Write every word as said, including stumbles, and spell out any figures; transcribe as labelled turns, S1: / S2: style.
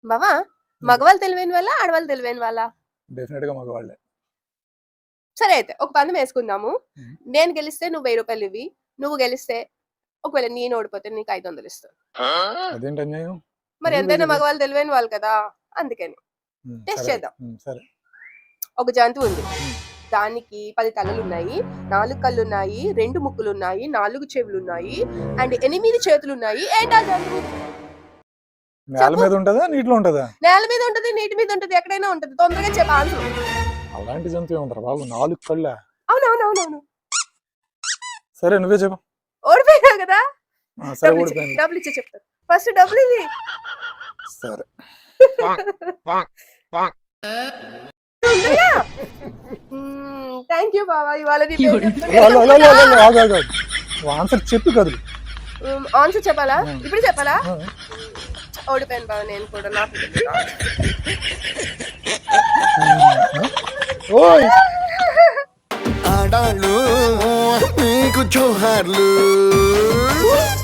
S1: బావా మగవాళ్ళు తెలివైన వాళ్ళ ఆడవాళ్ళు తెలివైన వాళ్ళ?
S2: డెఫినెట్ గా మగవాళ్ళే.
S1: సరే అయితే ఒక పందెం వేసుకుందాము. నేను గెలిస్తే నువ్వు వెయ్యి రూపాయలు ఇవ్వి, నువ్వు గెలిస్తే ఒకవేళ నేను ఓడిపోతే నీకు ఐదు వందలు ఇస్తాను.
S2: అదేంటి అన్యాయం?
S1: మరి ఎంతైనా మగవాళ్ళు తెలివైన వాళ్ళు కదా, అందుకని టెస్ట్ చేద్దాం.
S2: సరే.
S1: ఒక జంతువు ఉంది, దానికి పది తలలు ఉన్నాయి, నాలుగు కళ్ళు ఉన్నాయి, రెండు ముక్కులు ఉన్నాయి, నాలుగు చెవులు ఉన్నాయి అండ్ ఎనిమిది చేతులు ఉన్నాయి. ఏంటా జంతువు?
S2: నేల మీద ఉంటదా నీటిలో ఉంటదా?
S1: నేల మీద ఉంటది, నీటి మీద ఉంటది, ఎక్కడైనా ఉంటది. తొందరగా చెప్ప ఆన్సర్.
S2: అలాంటి జంతువు ఉంటారు బాబు, నాలుగు కళ్ళ?
S1: అవునవునవునవును.
S2: సరే నువ్వే చెప్పు.
S1: ఓడిపోయినావు కదా,
S2: సరే ఓడిపోయాను.
S1: డబ్బులు ఇచ్చే చెప్తాను. ఫస్ట్ డబ్బులు ఇది.
S2: సరే.
S1: థ్యాంక్ యూ బాబా. ఇవాళ
S2: ఆన్సర్ చెప్పి కదులు.
S1: ఆన్సర్ చెప్పాలా? ఇప్పుడు చెప్పాలా? ఓడిపోయాను బాబా నేను కూడా. నాకు
S3: ఆడాళ్ళు మీకు జోహార్లు.